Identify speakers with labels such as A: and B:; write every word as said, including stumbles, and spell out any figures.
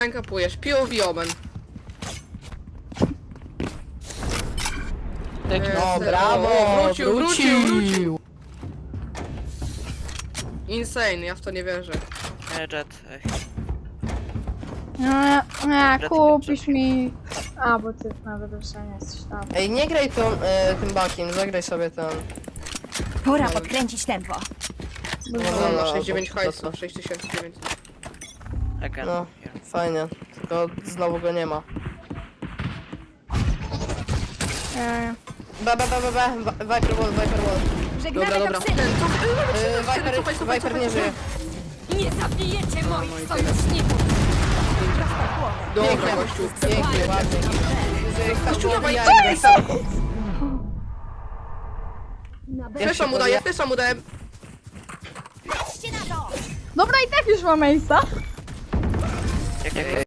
A: kapujesz. P O V Omen.
B: No
A: E,
B: brawo,
A: o, wrócił, wrócił,
B: wrócił.
A: Insane, ja w to nie wierzę.
C: E, Jet. Ej.
D: Nie, nie, kupisz mi... A, bo ty nawet już nie jesteś tam.
B: Ej, nie graj tą, e, tym bakiem, zagraj sobie ten.
E: Pora podkręcić tempo.
B: No,
A: No,
B: no,
A: no,
B: no,
A: sześć dziewięć
B: to-
A: hajsu,
B: to-
A: sześć tysięcy dziewięćset.
C: Again.
B: No,
C: Here.
B: fajnie, tylko znowu go nie ma.
D: Nie,
B: B, B, B, B, B, Viper Wall, Viper Wall.
E: Żegnamy
A: Dobra, dobra.
E: toksyny.
A: Ten, cofaj,
B: E, Viper,
A: cofaj, cofaj,
B: Viper
A: cofaj,
B: nie żyje.
E: Nie zabijecie moich
A: moi
E: sojuszników.
A: Dobra,
B: Pięknie,
A: gościu.
B: pięknie, ładnie.
A: Gościu, dawaj,
B: Ja-
A: co jest?
B: Ja
A: Flesza
B: się
A: mu daję,
B: boję.
A: flesza mu daję.
E: Patrzcie na to!
D: Dobra, i tak już mam Ace'a.
C: Jak, jak, jak.